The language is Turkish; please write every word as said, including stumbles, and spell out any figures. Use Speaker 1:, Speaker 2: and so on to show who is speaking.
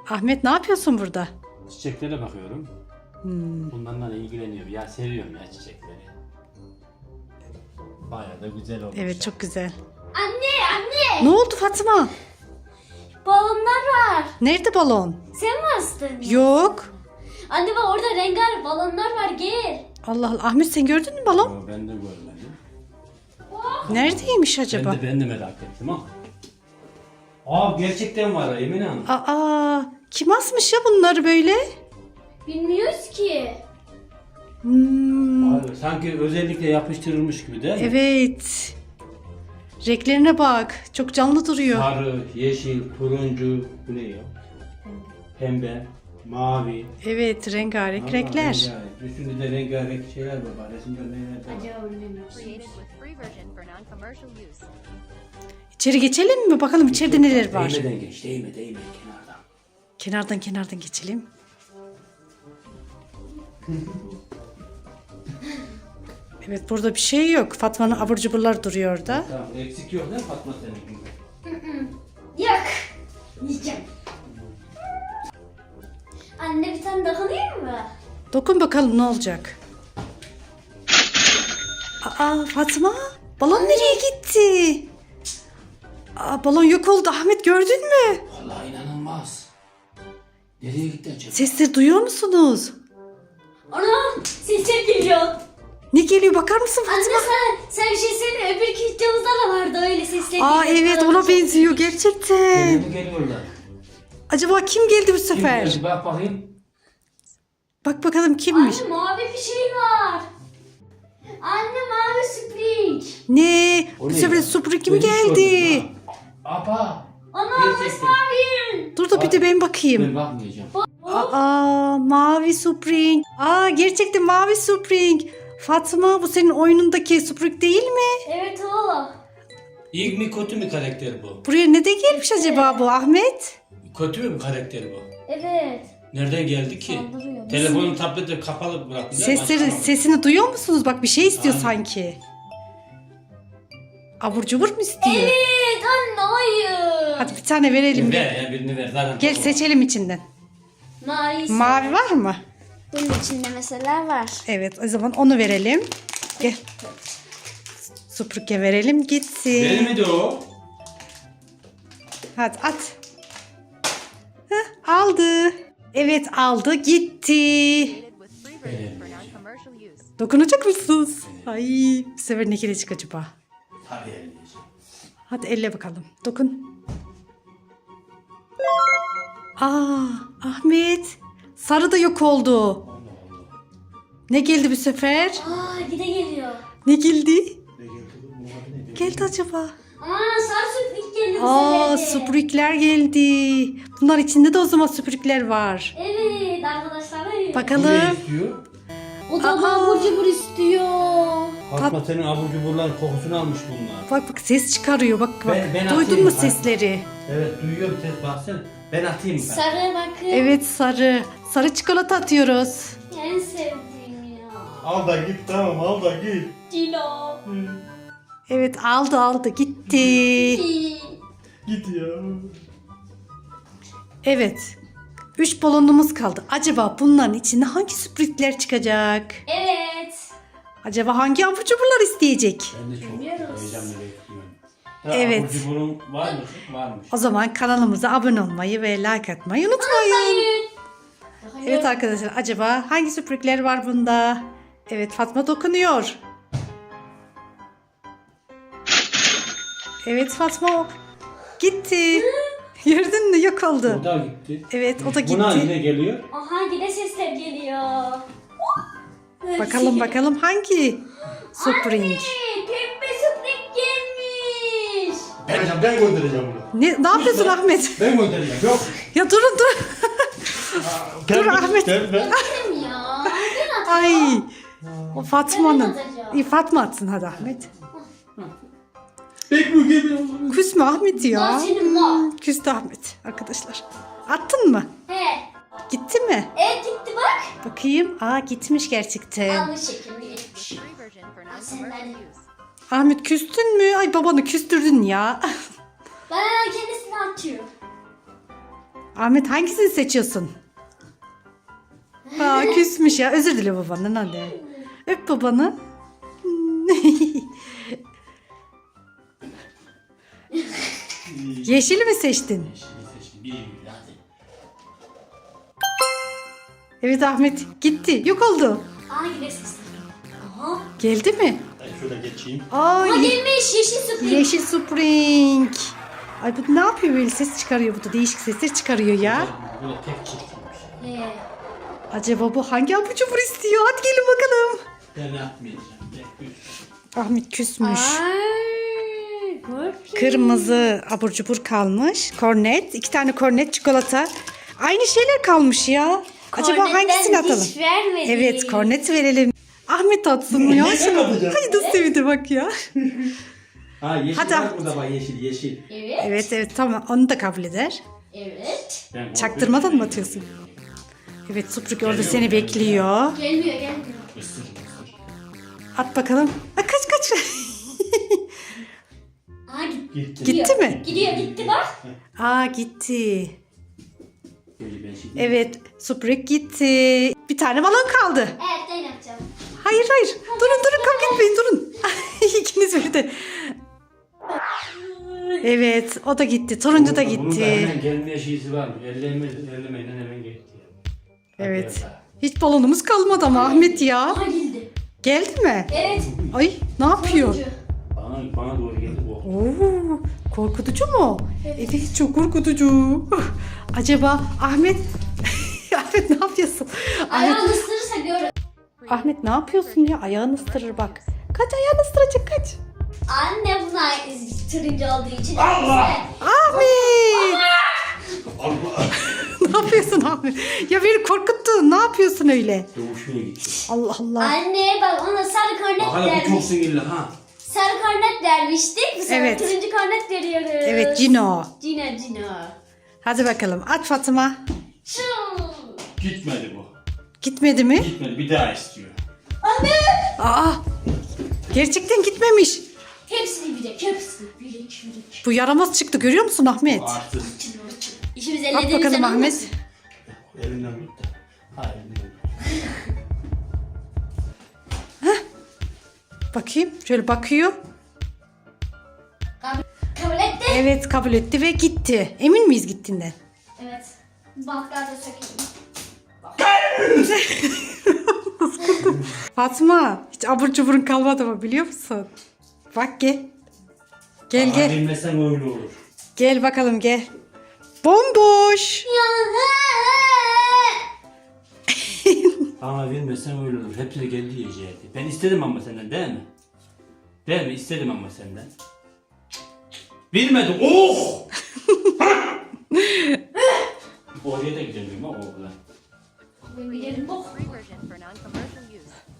Speaker 1: Ahmet ne yapıyorsun burada?
Speaker 2: Çiçeklere bakıyorum.
Speaker 1: Hmm.
Speaker 2: Bunlarla ilgileniyorum. Ya seviyorum ya çiçekleri. Bayağı da güzel olmuş.
Speaker 1: Evet çok güzel.
Speaker 3: Anne anne.
Speaker 1: Ne oldu Fatma?
Speaker 3: Balonlar var.
Speaker 1: Nerede balon?
Speaker 3: Sen mi astın?
Speaker 1: Yok.
Speaker 3: Anne bak orada rengarenk balonlar var gel.
Speaker 1: Allah Allah. Ahmet sen gördün mü balon?
Speaker 2: Yo, ben de görmedim.
Speaker 1: Neredeymiş acaba?
Speaker 2: Ben de, ben de merak ettim ha. Aa gerçekten var Emine Hanım.
Speaker 1: Aa, kim asmış ya bunları böyle?
Speaker 3: Bilmiyoruz ki.
Speaker 1: Hmm,
Speaker 2: Abi, sanki özellikle yapıştırılmış gibi değil mi?
Speaker 1: evet. Renklerine bak. Çok canlı duruyor.
Speaker 2: Sarı, yeşil, turuncu, bu ne ya? Pembe, mavi.
Speaker 1: Evet, rengarenk
Speaker 2: Vallahi
Speaker 1: renkler.
Speaker 2: rengarenk. Üstünde de rengarenk şeyler var. Bak, resimde neler var.
Speaker 3: Acaba bilmiyoruz.
Speaker 4: Created with free version for non-commercial use.
Speaker 1: İçeri geçelim mi? Bakalım içeride neler var.
Speaker 2: Değmeden geç, değme, değme kenardan.
Speaker 1: Kenardan kenardan geçelim. Evet burada bir şey yok. Fatma'nın abur cuburlar duruyor orada.
Speaker 2: Tamam, eksik yok değil mi Fatma senin?
Speaker 3: Yak. Yiyeceğim. Anne bir tane dokunayım mı?
Speaker 1: Dokun bakalım ne olacak. Aa Fatma, balon nereye gitti? Aa, balon yok oldu. Ahmet gördün mü?
Speaker 2: Vallahi inanılmaz. Nereye gitti acaba?
Speaker 1: Sesleri duyuyor musunuz?
Speaker 3: Ana sesler geliyor.
Speaker 1: Ne geliyor bakar mısın
Speaker 3: Anne
Speaker 1: Fatma?
Speaker 3: sen, sen bir şey söyle öbür videomuzda da vardı öyle sesler
Speaker 1: Aa
Speaker 3: geliyor.
Speaker 1: evet ona benziyor gerçekten.
Speaker 2: Nereye mi geliyorlar?
Speaker 1: Acaba kim geldi bu
Speaker 2: Kim
Speaker 1: sefer?
Speaker 2: geldi? Bak bakayım.
Speaker 1: Bak bakalım kimmiş?
Speaker 3: Anne mavi bir şey var. Anne mavi spring.
Speaker 1: Ne?
Speaker 2: O
Speaker 1: Bu
Speaker 2: ne
Speaker 1: sefer
Speaker 2: ya?
Speaker 1: Supra kim
Speaker 2: Ben hiç
Speaker 1: geldi?
Speaker 2: görmedim ha. Aba.
Speaker 3: Ana
Speaker 2: Gerçekten.
Speaker 3: mavi.
Speaker 1: Dur da bir de ben bakayım.
Speaker 2: Ben bakmayacağım.
Speaker 1: Aa mavi Spring. Aa gerçekten mavi Spring. Fatma bu senin oyunundaki Spring değil mi?
Speaker 3: Evet o.
Speaker 2: İyi mi kötü mü karakter bu?
Speaker 1: Buraya ne de gelmiş acaba bu Ahmet?
Speaker 2: Kötü mü karakter bu?
Speaker 3: Evet.
Speaker 2: Nereden geldi ki?
Speaker 3: Saldırıyor.
Speaker 2: Telefonun tableti kapalı bıraktılar.
Speaker 1: Sesleri,
Speaker 2: açamadım.
Speaker 1: sesini duyuyor musunuz? Bak bir şey istiyor
Speaker 2: Aynen.
Speaker 1: sanki. Abur cubur mu istiyor?
Speaker 3: Evet anne hayır.
Speaker 1: Hadi bir tane verelim.
Speaker 2: Ver ya birini ver. Zaten
Speaker 1: Gel
Speaker 2: çok-
Speaker 1: seçelim içinden.
Speaker 3: Mavi.
Speaker 1: Mavi var mı?
Speaker 3: Bunun içinde mesela var.
Speaker 1: Evet o zaman onu verelim. Gel. Süpürge verelim gitsin.
Speaker 2: Benim miydi o?
Speaker 1: Hadi at. Heh, aldı. Evet aldı gitti.
Speaker 4: Created with free version for non-commercial use.
Speaker 1: Dokunacak mısınız? Ay bu sefer ne gelecek acaba?
Speaker 2: Tabii elleyeceğim.
Speaker 1: Hadi elle bakalım. Dokun. Aa Ahmet. Sarı da yok oldu. Ne geldi bu sefer?
Speaker 3: Aa gide geliyor.
Speaker 1: Ne geldi?
Speaker 2: Ne geldi bu? Bu adı ne?
Speaker 1: Geldi acaba?
Speaker 3: Aa sarı süprik geliyor.
Speaker 1: Aa
Speaker 3: bu sefer de.
Speaker 1: süpürükler geldi. Bunlar içinde de o zaman süpürükler var.
Speaker 3: Evet arkadaşlar. evet.
Speaker 2: Bu
Speaker 1: Bakalım.
Speaker 2: ne istiyor?
Speaker 3: O da
Speaker 1: Aa.
Speaker 3: abur cubur istiyor.
Speaker 2: Fatma senin abur cuburların kokusunu almış bunlar.
Speaker 1: Bak bak ses çıkarıyor. Bak bak.
Speaker 2: Ben- ben
Speaker 1: Duydun
Speaker 2: atayım.
Speaker 1: mu
Speaker 2: Bak.
Speaker 1: sesleri?
Speaker 2: Evet duyuyorum ses baksana. Ben atayım ben.
Speaker 3: Sarı bakın.
Speaker 1: Evet sarı. Sarı çikolata atıyoruz.
Speaker 3: En sevdiğim ya.
Speaker 2: Al da git tamam al da git.
Speaker 3: Dilo.
Speaker 1: Evet aldı aldı gitti.
Speaker 2: Git ya.
Speaker 1: Evet. Üç balonumuz kaldı. Acaba bunların içinde hangi sürprizler çıkacak?
Speaker 3: Evet.
Speaker 1: Acaba hangi abur cuburlar isteyecek?
Speaker 2: Ben de çok
Speaker 3: Bilmiyoruz.
Speaker 2: heyecanla bekliyorum. Ya,
Speaker 1: Evet.
Speaker 2: Abur cuburun var mı? Varmış.
Speaker 1: O zaman kanalımıza abone olmayı ve like atmayı unutmayın.
Speaker 3: Hayır.
Speaker 1: Evet arkadaşlar acaba hangi sürprizler var bunda? Evet Fatma dokunuyor. Evet Fatma gitti. Gördün mü yok oldu.
Speaker 2: O da gitti.
Speaker 1: Evet o da
Speaker 2: Buna
Speaker 1: gitti.
Speaker 2: yine geliyor.
Speaker 3: Aha yine sesler geliyor.
Speaker 1: Bakalım bakalım hangi Spring?
Speaker 3: Anne, pembe spring gelmiş.
Speaker 2: Ben, ben göndereceğim bunu.
Speaker 1: Ne, ne yapıyorsun Ahmet?
Speaker 2: Ben göndereceğim. Yok.
Speaker 1: Ya durun dur. Dur Ahmet.
Speaker 2: Ben, ben.
Speaker 3: Benim ya. Ben at.
Speaker 1: Ay. O Fatma'nın.
Speaker 3: Ben atacağım.
Speaker 1: İyi Fatma atsın hadi Ahmet.
Speaker 2: Bekle geliyor.
Speaker 1: Küsme Ahmet ya.
Speaker 3: Lan senin var.
Speaker 1: Küstü Ahmet arkadaşlar. Attın mı?
Speaker 3: He.
Speaker 1: Gitti mi?
Speaker 3: Evet gitti bak.
Speaker 1: Bakayım. Aa gitmiş gerçekten.
Speaker 3: Yanlış şekilde gitmiş.
Speaker 4: Free version for non-commercial use.
Speaker 1: Ahmet küstün mü? Ay babanı küstürdün ya.
Speaker 3: Ben hemen kendisini atıyor.
Speaker 1: Ahmet hangisini seçiyorsun? Aa, küsmüş ya. Özür dile babandan hadi. Öp babanı. Yeşili mi seçtin?
Speaker 2: Yeşili seçtim. Bir bir hadi.
Speaker 1: Evet Ahmet gitti. Yok oldu.
Speaker 3: Aa yine ses. Aha.
Speaker 1: Geldi mi?
Speaker 2: Ben şurada geçeyim.
Speaker 1: Aa,
Speaker 3: Aa
Speaker 1: ye-
Speaker 3: gelmiş yeşil Spring.
Speaker 1: yeşil Spring. Ay bu ne yapıyor böyle ses çıkarıyor bu da değişik sesler çıkarıyor ya.
Speaker 2: Böyle tek çiftiymiş.
Speaker 3: He.
Speaker 1: Acaba bu hangi abur cubur istiyor? Hadi gelin bakalım.
Speaker 2: Ben atmayacağım. Ben üç.
Speaker 1: Ahmet küsmüş.
Speaker 3: Ay, korkunç.
Speaker 1: Kırmızı abur cubur kalmış. Kornet. iki tane kornet çikolata. Aynı şeyler kalmış ya. Acaba
Speaker 3: Kornetten
Speaker 1: hangisini atalım?
Speaker 3: hiç vermedi.
Speaker 1: Evet kornet verelim. Ahmet atsın mı ya?
Speaker 2: Ben atacağım.
Speaker 1: Ay da sevdi bak ya.
Speaker 2: Ha yeşil
Speaker 1: Hadi.
Speaker 2: var burada bak yeşil yeşil.
Speaker 3: Evet.
Speaker 1: Evet evet tamam onu da kabul eder.
Speaker 3: Evet.
Speaker 2: Ben
Speaker 1: Çaktırmadan mı atıyorsun? Evet Supruk orada seni bekliyor.
Speaker 3: Gelmiyor gelmiyor.
Speaker 2: Isır ısır.
Speaker 1: At bakalım. Ha, kaç kaç.
Speaker 3: Aa gitti.
Speaker 2: Gitti.
Speaker 1: Gitti mi?
Speaker 3: Gidiyor gitti bak.
Speaker 1: Aa gitti.
Speaker 2: Böyle ben şimdi.
Speaker 1: Evet Supruk gitti. Bir tane balon kaldı.
Speaker 3: Evet ben yapacağım.
Speaker 1: Hayır hayır. Durun durun kavga etmeyin durun. İkiniz birden. Evet o da gitti. Turuncu da
Speaker 2: Bunun da
Speaker 1: gitti.
Speaker 2: hemen gelmeye şeysi var. Elleme, ellemeyle hemen gitti. Hadi
Speaker 1: Evet.
Speaker 2: bakalım.
Speaker 1: Hiç balonumuz kalmadı ama Ahmet ya.
Speaker 3: Aa geldi.
Speaker 1: Geldi mi?
Speaker 3: Evet.
Speaker 1: Ay ne yapıyor?
Speaker 3: Turuncu.
Speaker 2: Bana, bana doğru geldi bu.
Speaker 1: Oo, korkutucu mu? Evet çok korkutucu. Acaba Ahmet Ahmet ne yapıyorsun? Ahmet,
Speaker 3: Ayağını ısırırsa gör.
Speaker 1: Ahmet ne yapıyorsun ya? Ayağını ısırır bak. Kaç ayağını ısıracak kaç.
Speaker 3: Anne buna turuncu olduğu için.
Speaker 2: Allah!
Speaker 1: Ahmet!
Speaker 2: Allah!
Speaker 1: Ne yapıyorsun Ahmet? Ya beni korkuttun. Ne yapıyorsun öyle?
Speaker 2: Doğuşmaya gitti.
Speaker 1: Allah Allah.
Speaker 3: Anne bak ona sarı kornet
Speaker 2: Bak hala bu çok
Speaker 3: vermiş.
Speaker 2: sinirli ha.
Speaker 3: Sarı kornet vermiştik. Bu sefer
Speaker 1: Evet.
Speaker 3: turuncu kornet veriyoruz.
Speaker 1: Evet Cino.
Speaker 3: Cino Cino.
Speaker 1: Hadi bakalım at Fatıma.
Speaker 3: Şu.
Speaker 2: Gitmedi bu.
Speaker 1: Gitmedi mi?
Speaker 2: Gitmedi bir daha istiyor.
Speaker 3: Anne.
Speaker 1: Aa! Gerçekten gitmemiş.
Speaker 3: Hepsini bilek. Hepsini bilek. Bilek.
Speaker 1: Bu yaramaz çıktı görüyor musun Ahmet?
Speaker 2: Artık
Speaker 3: İşimiz
Speaker 1: At
Speaker 3: ellediğimizden
Speaker 1: bakalım Ahmet.
Speaker 3: olmasın.
Speaker 2: elinden gitti. Ha elinden.
Speaker 1: Bakayım şöyle bakıyor.
Speaker 3: Kabul, kabul etti.
Speaker 1: Evet kabul etti ve gitti. Emin miyiz gittiğinden?
Speaker 3: Evet. Banklar da sökeyim.
Speaker 1: Fatma hiç abur cuburun kalmadı mı biliyor musun? Bak gel. Gel
Speaker 2: Ama
Speaker 1: gel.
Speaker 2: bilmesen öyle olur.
Speaker 1: Gel bakalım gel. Bomboş.
Speaker 2: Ama bilmesen öyle olur. Hepsini kendi yiyecekti. Ben istedim ama senden değil mi? Değil mi? İstedim ama senden. Bilmedim. Oh! Oraya da gidemiyorum ha oğlan.
Speaker 3: Ben gidelim bok.
Speaker 4: Free version for non-commercial use.